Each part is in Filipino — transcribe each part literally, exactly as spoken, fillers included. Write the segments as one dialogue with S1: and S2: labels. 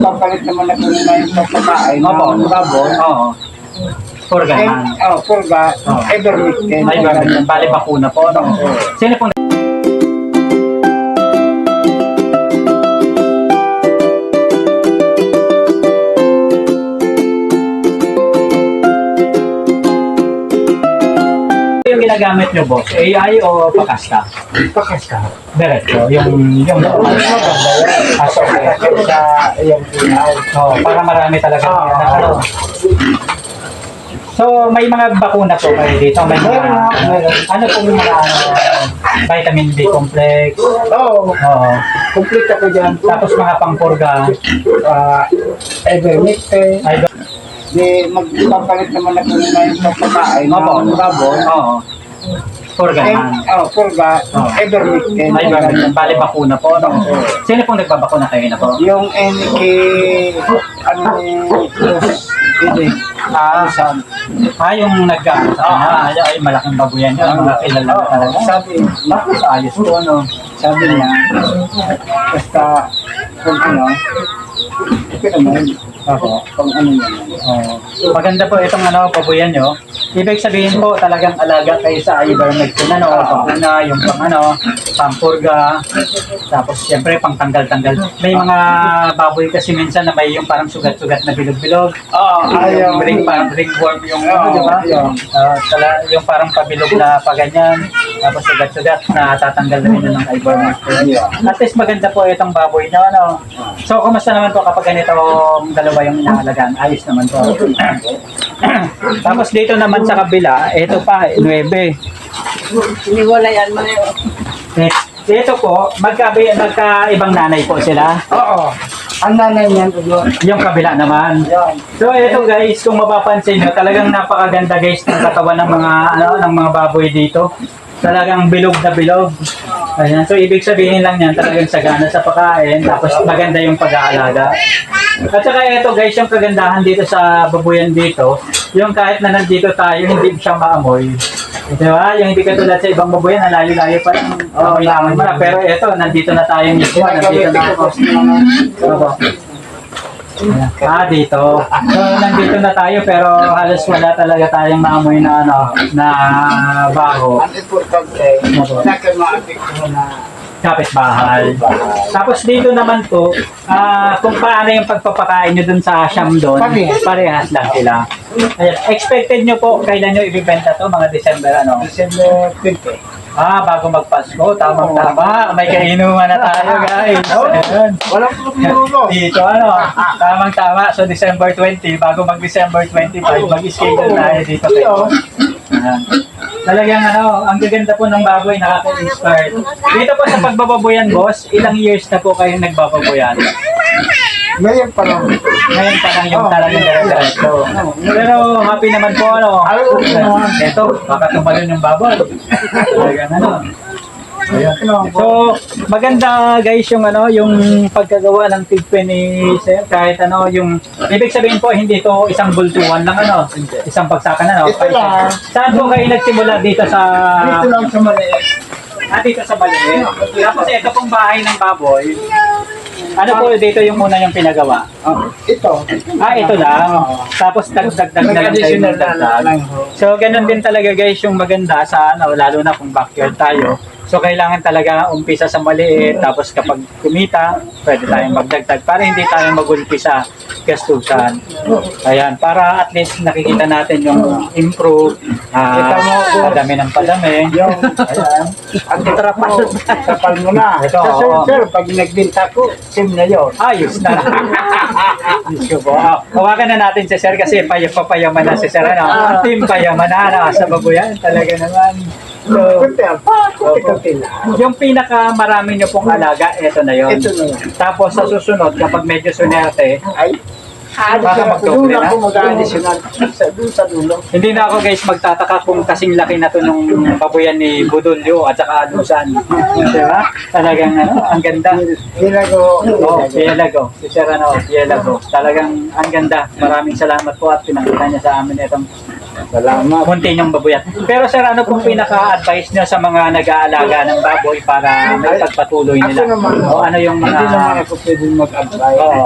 S1: Papalit naman ako na yung pagkakain
S2: Opo.
S1: ng baboy.
S2: Oo. Purga
S1: And,
S2: naman.
S1: oh, purga,
S2: Oh.
S1: every weekend.
S2: Ay, ganun. Bali bakuna po. No? Sino pong yung ginagamit nyo, boss? A I o pakasta?
S1: Pakasta.
S2: Diretso. Yung, yung,
S1: Aso kaya sa iyong inaw.
S2: oh, para marami talaga.
S1: Oo.
S2: Ano? So, may mga bakuna po kayo dito. May mga,
S1: Meron nga, meron.
S2: ano pong mga ano, vitamin B complex.
S1: Oo.
S2: Oo.
S1: Complete ako dyan.
S2: Tapos mga pangpurga.
S1: uh, every weekend.
S2: Ay,
S1: Di magpapalit naman ako na yung pagkakain
S2: Opo.
S1: ng baboy.
S2: oo. Purga
S1: And,
S2: naman.
S1: oh, purga,
S2: Oo.
S1: every weekend.
S2: Ay, ganun. Bali bakuna po. No? Sino pong nagbabakuna kayo na po?
S1: Yung N K, ano, hindi,
S2: Ah,
S1: saan?
S2: ah yung nag-ano sa kanya. Ay, ay, malaking babuyan yun. Mga kilala na talaga.
S1: Sabi,
S2: Bakit ayos po, ano?
S1: sabi niya, basta, kung ano, okay naman,
S2: Opo.
S1: kung ano yan.
S2: Oh, maganda po itong ano, pabuyan nyo. Ibig sabihin po talagang alaga kayo sa ivermectin, ano, panguna, yung pang ano, pangpurga, tapos siyempre pang tanggal-tanggal. May mga baboy kasi minsan na may yung parang sugat-sugat na bilog-bilog.
S1: Oo,
S2: Yung ring, parang ringworm yung ano,
S1: Oo,
S2: di ba?
S1: yun.
S2: Ah, tala, yung parang pabilog na paganyan, tapos sugat-sugat na tatanggal na rin ng ivermectin. At least maganda po itong baboy nyo, ano. So, kumusta naman po kapag ganitong dalawa yung inaalagaan? Ayos naman po. Tapos dito naman sa kabila, ito pa, nuebe.
S1: Iniwalayan mo na yun.
S2: Eh, Ito po, magkabi, magkaibang nanay po sila.
S1: Oo, ang nanay niyan, yun.
S2: Yung kabila naman.
S1: Yan.
S2: So ito guys, kung mapapansin nyo, talagang napakaganda guys ng katawan ng mga ano ng mga baboy dito. Talagang bilog na bilog. Ayan. So ibig sabihin lang yan, talagang sagana sa pagkain, tapos maganda yung pag-aalaga. At saka ito guys, yung kagandahan dito sa babuyan dito, yung kahit na nandito tayo, hindi siya maamoy. Di ba? Yung hindi katulad sa ibang babuyan, ang layo-layo pa yung amoy na amoy mo na. Pero ito, nandito na tayo mismo, nandito na ako. Opo. Ah, dito. So, nandito na tayo pero halos wala talaga tayong maamoy na ano, na baho.
S1: Ang importante, sa akin maapekto na
S2: Kapitbahay. Tapos dito naman po, ah, kung paano yung pagpapakain nyo dun sa Siam doon,
S1: Parehas.
S2: parehas lang sila. Ayan. Expected nyo po, kailan nyo ibibenta to? Mga December ano?
S1: December twenty.
S2: Ah, bago magpasko, tamang-tama. May kainuman na tayo, guys. Ayan.
S1: Walang problema.
S2: Dito, ano, tamang-tama. So, December twenty, bago mag-December twenty-five, mag-schedule tayo dito kayo. Ayan. Talagang, ano, ang gaganda po ng baboy, nakaka-inspire. Dito po sa pagbababoyan, boss, ilang years na po kayong nagbababoyan?
S1: Ngayon pa lang.
S2: Ngayon pa lang yung talagang dire-diretso. Pero happy naman po, ano. Ito, baka tumalon yung baboy. Talagang, ano. Ayun. So, maganda guys yung ano, yung pagkagawa ng tigpe ni Sir, kahit ano, yung ibig sabihin po hindi ito isang bultuhan lang ano, isang pagsakan ano.
S1: Ito lang.
S2: Saan po kayo nagsimula dito sa
S1: Dito lang sa maliit.
S2: Ah, dito sa Baliin. Tapos ito pong bahay ng baboy. Ano po dito yung muna yung pinagawa?
S1: Oh, ito.
S2: Ah, ito lang. Tapos dagdag-dagdag na lang tayo ng dagdag. So, ganun din talaga guys yung maganda sa ano, lalo na kung backyard tayo. So, kailangan talaga umpisa sa maliit, tapos kapag kumita, pwede tayong magdagdag para hindi tayo magulpi sa gastusan. Ayan, para at least nakikita natin yung improve,
S1: Kita mo,
S2: ah, padami ng padami.
S1: Yung,
S2: Ayan.
S1: ang trapal, trapal mo na.
S2: Ito,
S1: Sa sir,
S2: oo.
S1: sir, pag nagbinta ko, sim na yun.
S2: Ayos na. Diyos ko po. Ah, hawakan na natin si Sir kasi pay papayaman na si Sir. Ano? Team payaman na. Ano? Sa babuyan. Talaga naman. So,
S1: Kunti ang pa, kunti-kunti lang.
S2: yung pinaka marami nyo pong alaga, ito na yon.
S1: Ito na yan.
S2: Tapos sa susunod, kapag medyo sunerte,
S1: Ay,
S2: Baka
S1: additional. Doon
S2: magdoble na?
S1: ako mag-additional. Sa, doon sa dulo.
S2: hindi na ako guys magtataka kung kasing laki na to nung babuyan ni Budulyo at saka Anusan. Di ba? Talagang ano, ang ganda.
S1: Hilago.
S2: Oh, Pielago. Si Sir ano, Pielago. Talagang ang ganda. Maraming salamat po at pinakita niya sa amin itong
S1: Salamat.
S2: munti niyong babuyan. Pero Sir, ano pong pinaka-advice niyo sa mga nag-aalaga ng baboy para may pagpatuloy
S1: Ako
S2: nila?
S1: naman.
S2: O ano yung
S1: Hindi naman
S2: mga...
S1: ako pwedeng mag-advise.
S2: Oo.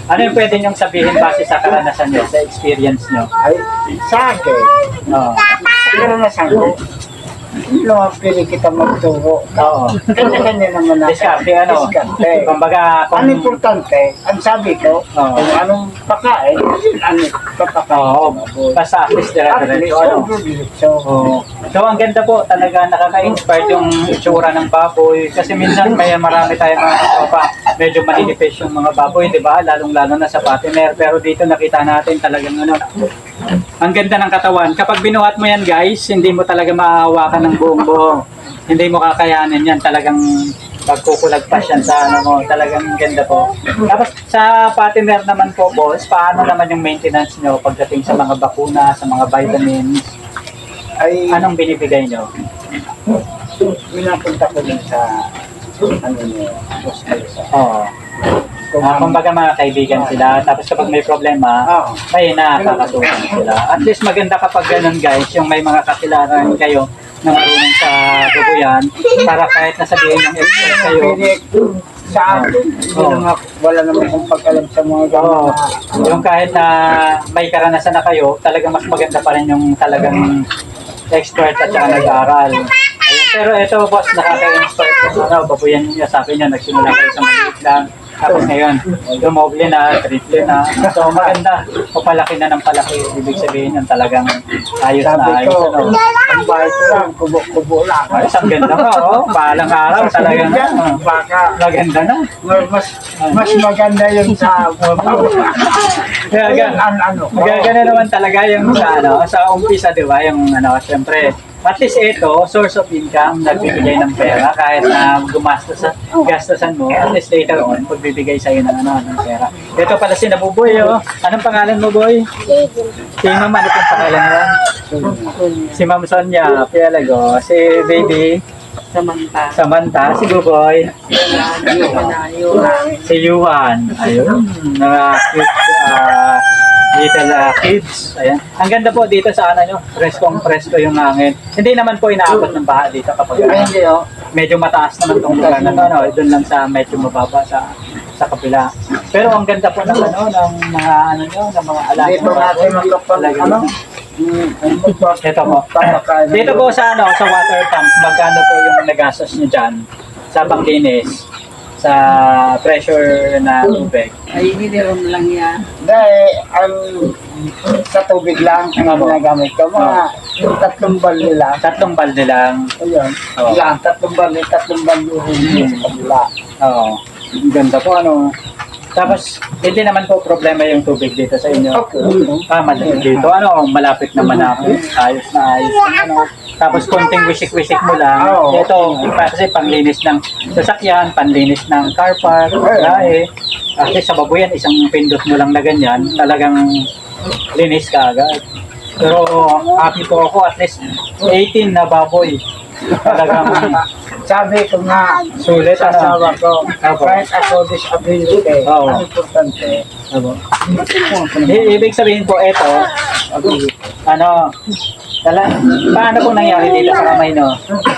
S2: Ano yung pwede niyong sabihin base sa karanasan niyo, sa experience niyo?
S1: Ay, sa akin,
S2: Oo.
S1: pero nasan ko, hindi naman pili kita magturo.
S2: Oo.
S1: Kanya-kanya naman natin.
S2: Diskarte, ano?
S1: Diskarte.
S2: Kumbaga,
S1: Ang
S2: kung...
S1: importante, ang sabi ko,
S2: Oo.
S1: kung anong pakain, yun ano papakain.
S2: Oo. Basta at least dire-diretso, ano?
S1: So,
S2: Oo. So, ang ganda po, talaga nakaka-inspire yung itsura ng baboy. Kasi minsan may marami tayong mga katropa, medyo maninipis yung mga baboy, di ba? Lalong-lalo na sa patiner. Pero dito nakita natin talagang ano, ang ganda ng katawan. Kapag binuhat mo yan, guys, hindi mo talaga maahawakan ng buong buo. Hindi mo kakayanin yan. Talagang pagkukulagpas yan sa ano mo. Talagang ganda po. Tapos sa patiner naman po, boss, paano naman yung maintenance nyo pagdating sa mga bakuna, sa mga vitamins?
S1: ay,
S2: Anong binibigay nyo?
S1: minapunta ko din sa, ano niyo, hospital sa,
S2: Oo. Ah, kumbaga mga kaibigan sila. Tapos kapag may problema,
S1: Oo.
S2: may nakakatulong sila. At least maganda kapag ganun, guys, yung may mga kakilaran kayo na marunong sa duguyan para kahit nasabihin ng expert kayo.
S1: Pwede sa akin, hindi
S2: Oo.
S1: naman, wala naman akong pag-alam sa mga
S2: Oo.
S1: gano'n.
S2: Yung kahit na may karanasan na kayo, talagang mas maganda pa rin yung talagang expert at saka nag-aaral. Ayun. Pero ito, boss, nakaka-inspire po. Ano, babuyan niyo, sabi niyo, nagsimula kayo sa maliit lang. Tapos ngayon, dumoble na, triple na. So maganda, papalaki na ng palaki. Ibig sabihin yun talagang ayos na
S1: Sabi
S2: ayos.
S1: ko,
S2: Ano.
S1: ang bahay ko lang, kubo-kubo lang.
S2: Ayos, ang ganda ka, oh. Balang araw, talagang ano,
S1: Baka,
S2: maganda na.
S1: mas mas maganda yung sa
S2: Kaya
S1: Ayan,
S2: gan-
S1: an, ano.
S2: Gagana naman talaga yung sa ano, sa umpisa, di ba? Yung ano, syempre, at least ito, source of income, nagbibigay ng pera kahit na gumastos sa gastosan mo, at least later on, pagbibigay sa'yo ng ano, ng pera. Ito pala si Nabuboy, oh. Anong pangalan mo, boy? Si Ma'am, ano pong pangalan mo? Si Ma'am Sonia, Pialago, si Baby,
S3: Samantha.
S2: Samantha, si Buboy,
S3: Panayo.
S2: si Yuan. Ayun, mga cute, ah, little ah, kids. Ayan. Ang ganda po dito sa ano nyo, preskong presko yung hangin. Hindi naman po inaabot ng baha dito kapag
S1: Ay,
S2: ano,
S1: hindi, oh.
S2: medyo mataas naman tong lugar na to, ano, doon lang sa medyo mababa sa sa kapila. Pero ang ganda po ng ano, ng mga ano nyo, ng mga alaga.
S1: Dito natin magkapag,
S2: Talaga
S1: ano?
S2: naman.
S1: Mm,
S2: Ito po.
S1: Papakain.
S2: Dito po sa ano, sa water pump, magkano po yung nagastos nyo dyan sa panglinis, sa pressure na tubig?
S3: Ay, hiniram lang yan.
S1: Dahil, ang sa tubig lang ang
S2: Opo.
S1: ginagamit ko. Mga yung tatlong balde lang.
S2: Tatlong balde lang.
S1: Ayun.
S2: Oo.
S1: Yan, tatlong balde, tatlong balde yung sa kabila.
S2: Oo. Ang ganda po, ano. Tapos, hindi naman po problema yung tubig dito sa inyo.
S1: Okay.
S2: Ah, malapit dito. Ano, malapit na malapit. Ayos na ayos. Ano. Tapos, konting wisik-wisik mo lang.
S1: Oo.
S2: Ito, kasi panglinis ng sasakyan, panlinis ng car park, lae. Kasi sa babuyan, isang pindot mo lang na ganyan, talagang linis ka agad. Pero, happy po ako, at least eighteen na baboy. Talagang
S1: Sabi ko nga,
S2: sulit,
S1: sa
S2: ano.
S1: asawa ko,
S2: Opo.
S1: kahit ako disability,
S2: Oo.
S1: ang importante,
S2: Ano? I- ibig sabihin po, ito, ano, tala, paano po nangyari dito sa kamay, no?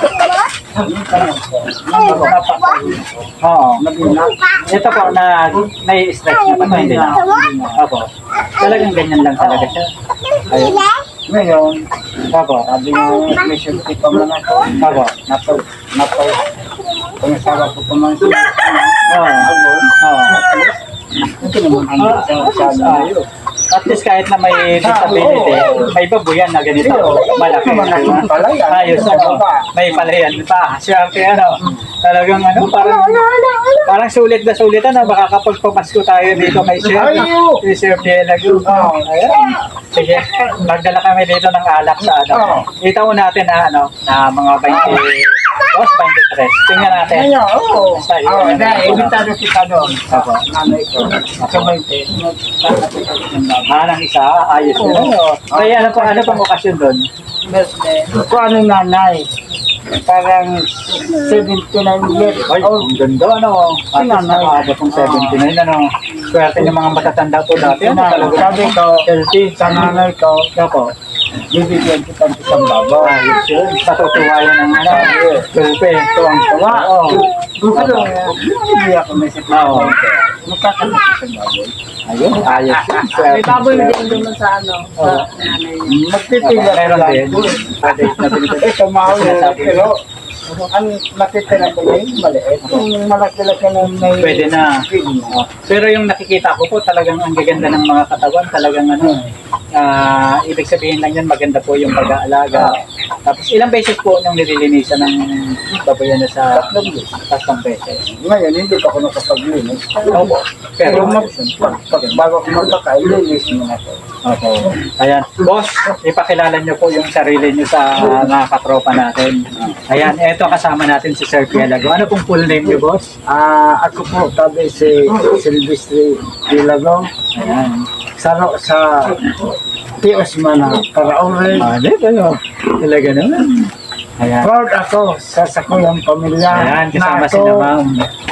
S2: Opo. Oo. Ito po, na, nai-stretch na pa, hindi na. Opo. Talagang ganyan lang talaga siya. Ayun.
S1: ngayon,
S2: Opo.
S1: sabi mo, may safety pa man ako,
S2: Opo.
S1: napaw, napaw, kung asawa ko pa man siya,
S2: Oo.
S1: ako,
S2: Oo.
S1: ito naman ang
S2: Ah,
S1: sa sabi
S2: ah,
S1: mo.
S2: At least kahit na may disability, may babuyan na ganito. Malaki.
S1: Malaki ang palayan.
S2: Ayos, ano. May palayan pa. Swerte, ano. Talagang, ano, parang, parang sulit na sulit, ano. Baka kapag pamasko tayo dito kay Sir,
S1: Ayo!
S2: si Sir Pielago.
S1: Oo.
S2: Ayan. Sige, magdala kami dito ng alak sa, ano.
S1: Oo.
S2: Itaw natin na, ano, na mga twenty, boss, twenty-three. Tingnan natin.
S1: Ngayon, oo.
S2: Sa'yo.
S1: Oo, dahil, imbitado kita doon.
S2: Opo.
S1: Nanay ko, kabainte, nagtatapos ng bago.
S2: Ah, ng isa, ayos na. Ano. Kaya ano pa, ano pang okasyon doon?
S1: Birthday. Kung ano yung nanay, parang seventy-nine years
S2: Ay,
S1: old.
S2: ang ganda, ano. At least
S1: Sinanay.
S2: nakaabot ng seventy-nine, ano. Swerte ng mga matatanda po dati. Ano, talaga.
S1: Sabi ko,
S2: Healthy.
S1: sa nanay ko,
S2: Opo.
S1: bibigyan kita ng isang babaw.
S2: Ayos yun. Patutuwa yan ng ano. Gulpe.
S1: Tuwang-tuwa.
S2: Oo.
S1: Gusto, hindi ako may
S2: Oo.
S1: sakit. Magkakalaki sa baboy.
S2: Ayun, ayos yun.
S3: May baboy din doon sa ano, sa
S2: Oo.
S3: nanay niya.
S1: Magpipila ka
S2: Meron
S1: lang.
S2: din. Pwede na binibigay.
S1: Ito mahal yun,
S2: Sinasabi.
S1: pero ang natitira ko yun, maliit. Kung malaki-laki na may...
S2: Pwede na.
S1: Pwede.
S2: Pero yung nakikita ko po talagang ang gaganda ng mga katawan, talagang ano, ah ibig sabihin lang yan, maganda po yung pag-aalaga. Tapos ilang beses po nung nililinisan ng baboyan na sa
S1: Tatlong beses.
S2: tatlong beses.
S1: Ngayon, hindi pa ako nakapaglinis.
S2: Opo.
S1: Pero
S2: Pero
S1: mag, pag, pag, bago ako magpakain, linis mo na to.
S2: Opo. Ayan. Boss, ipakilala niyo po yung sarili niyo sa mga katropa natin. Ayan, eto kasama natin si Sir Pielago. Ano pong full name niyo, boss?
S1: Ah, ako po, tabi si Silvestre Pilago.
S2: Ayan.
S1: Sa, sa T S Mana, Paraore.
S2: Ah, di ba no? Talaga naman. Ayan.
S1: Proud ako sa sakuyang pamilya.
S2: Ayan, kasama
S1: na
S2: si na
S1: ako
S2: ma'am.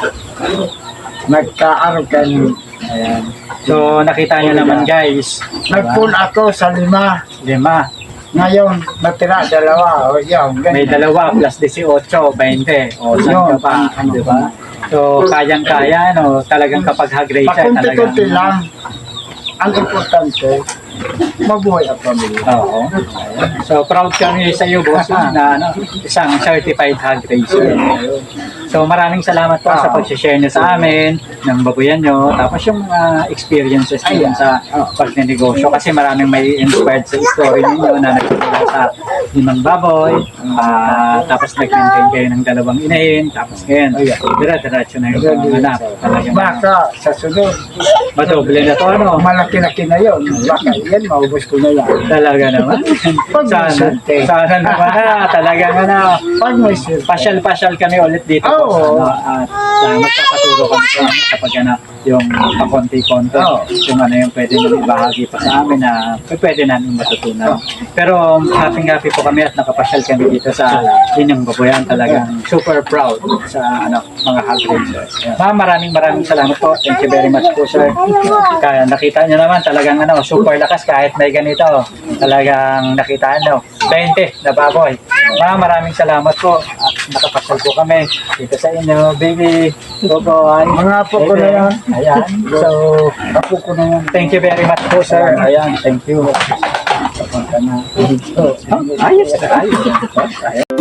S1: Nagkaaro kami.
S2: Ayan. So, nakita niyo naman guys.
S1: Nagpool ako sa lima.
S2: Lima.
S1: Ngayon, natira dalawa. O, yun,
S2: May
S1: ganyan.
S2: dalawa plus eighteen, twenty. O, saan ka pa? Di ba? So, kayang-kaya, no? Talagang kapag hag-race siya, talagang...
S1: Pakunti-kunti lang. Ang importante, mabuhay ang pamilya.
S2: Oo. So, proud kami sa iyo, boss, na ano, isang certified hog racer. So, maraming salamat po sa pag-share niyo sa amin ng babuyan niyo. Tapos yung mga experiences niyo sa pagnenegosyo. Kasi maraming may inspired sa story niyo na nagsimula sa limang baboy. ah, tapos nag-maintain kayo ng dalawang inahin. Tapos ngayon, dira-diretso na yung mga anak. Talagang
S1: Baka sa sunod,
S2: madoble na to, ano?
S1: malaki-laki na yun. Baka yan, maubos ko na yan.
S2: Talaga naman. Sana, sana naman na. Talagang ano,
S1: Pag may sir,
S2: pasyal-pasyal kami ulit dito.
S1: Oo.
S2: Ano, at uh, magpapaturo kami sa amin kapag ano, yung pakonti-konti.
S1: Oo.
S2: Yung ano yung pwede nyo ibahagi pa sa amin na pwede namin matutunan. Pero happy-happy po kami at nakapasyal kami dito sa inyong babuyan. Talagang super proud sa ano mga hog racers. Ma'am, maraming maraming salamat po. Thank you very much po, sir. Kaya nakita nyo naman talagang ano, super lakas kahit may ganito. Talagang nakita nyo, twenty na baboy. Ma'am, maraming salamat po. At nakapasyal po kami dito sa inyo, baby. Boboy.
S1: mga apo ko na yan.
S2: Ayan. So,
S1: Apo ko na yan.
S2: thank you very much po, sir. Ayan, thank you.
S1: Papunta na.
S2: Oh, ayos na, ayos.